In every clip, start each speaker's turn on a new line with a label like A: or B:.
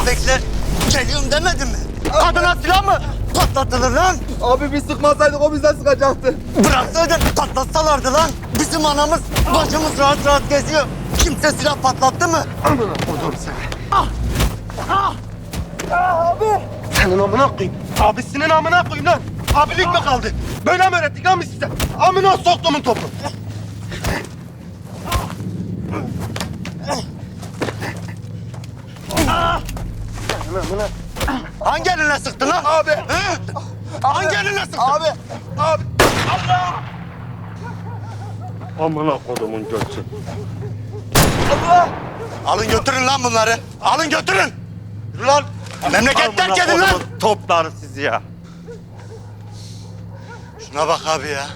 A: bekle. Geliyorum demedin mi? Kadına silah mı patlatılır lan?
B: Abi biz sıkmasaydık o bizden sıkacaktı.
A: Bıraksaydın patlatsalardı lan. Bizim anamız, bacımız rahat rahat geziyor. Kimse silah patlattı mı?
B: Amına kodum seni. Abi. Senin amına koyayım. Abisinin amına koyayım lan. Abilik mi kaldı? Böyle mi öğrettik lan biz size? Amına soktumun topu.
A: Hangi eline sıktın lan?
B: Abi.
A: He? Hangi eline sıktın?
B: Abi. Abi.
C: Amına kodumun götü.
B: Allah.
A: Alın götürün lan bunları. Alın götürün. Yürü lan. Memleket terk edin lan.
C: Toplar sizi ya.
A: Şuna bak abi ya.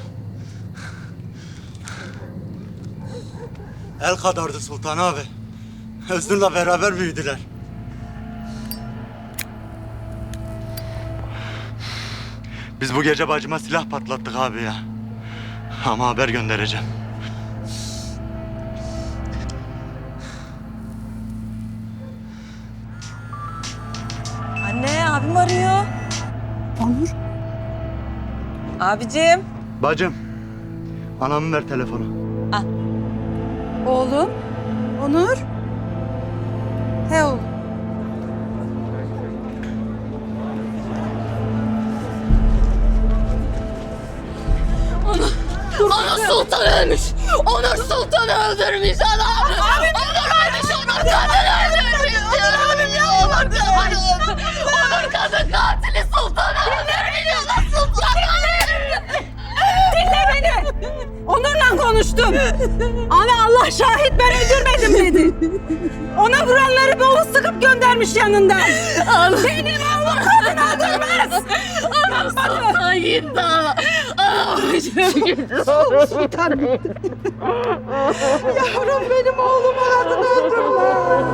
A: El kadardı Sultan abi. Hüsnü'yle beraber büyüdüler. Biz bu gece bacıma silah patlattık abi ya. Ama haber göndereceğim.
D: Anne, abim arıyor. Onur. Abicim.
A: Bacım, anamı ver telefonu.
E: Oğlum, Onur. He oğlum.
F: Onur Sultan ölmüş. Onur Sultan'ı öldürmüş adam. Onur ölmüş. Onur kadın öldürmüş. Abim ya Onur kadın. Onur kadın katili Sultan'ı öldürmüş. Sultan'ı.
E: Dinle beni. Onur'la konuştum. Ama Allah şahit ben öldürmedim dedi. Ona vuranları boğuz sıkıp göndermiş yanından. Benim oğlum kadın öldürmez.
F: Onur Sultan gitti. Anam gitti.
E: Yavrum benim oğlum kadın öldürmez.